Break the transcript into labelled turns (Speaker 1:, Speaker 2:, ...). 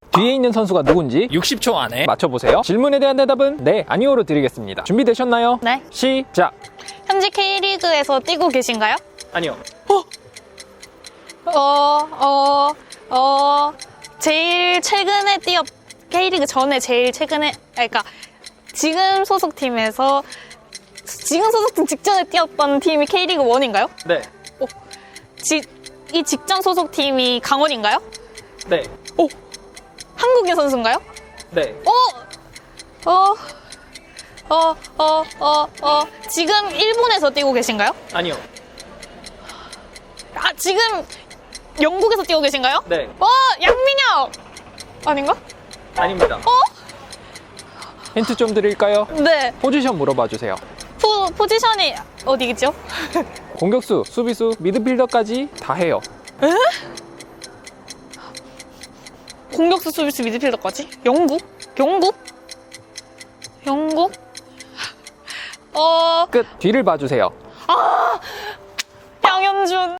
Speaker 1: 뒤에 있는 선수가 누군지
Speaker 2: 60초 안에
Speaker 1: 맞춰보세요. 질문에 대한 대답은 네, 아니오로 드리겠습니다. 준비되셨나요?
Speaker 3: 네.
Speaker 1: 시작!
Speaker 3: 현재 K리그에서 뛰고 계신가요?
Speaker 2: 아니요.
Speaker 3: 제일 최근에 K리그 전에 제일 최근에, 그러니까 지금 소속팀에서, 지금 소속팀 직전에 뛰었던 팀이 K리그 1인가요?
Speaker 2: 네.
Speaker 3: 이 직전 소속팀이 강원인가요?
Speaker 2: 네.
Speaker 3: 한국인 선수인가요?
Speaker 2: 네.
Speaker 3: 지금 일본에서 뛰고 계신가요?
Speaker 2: 아니요.
Speaker 3: 지금 영국에서 뛰고 계신가요?
Speaker 2: 네.
Speaker 3: 양민혁! 아닌가?
Speaker 2: 아닙니다.
Speaker 1: 힌트 좀 드릴까요?
Speaker 3: 네.
Speaker 1: 포지션 물어봐 주세요.
Speaker 3: 포지션이 어디겠죠?
Speaker 1: 공격수, 수비수, 미드필더까지 다 해요.
Speaker 3: 공격수, 수비수, 미드필더까지? 영국?
Speaker 1: 끝. 뒤를 봐주세요.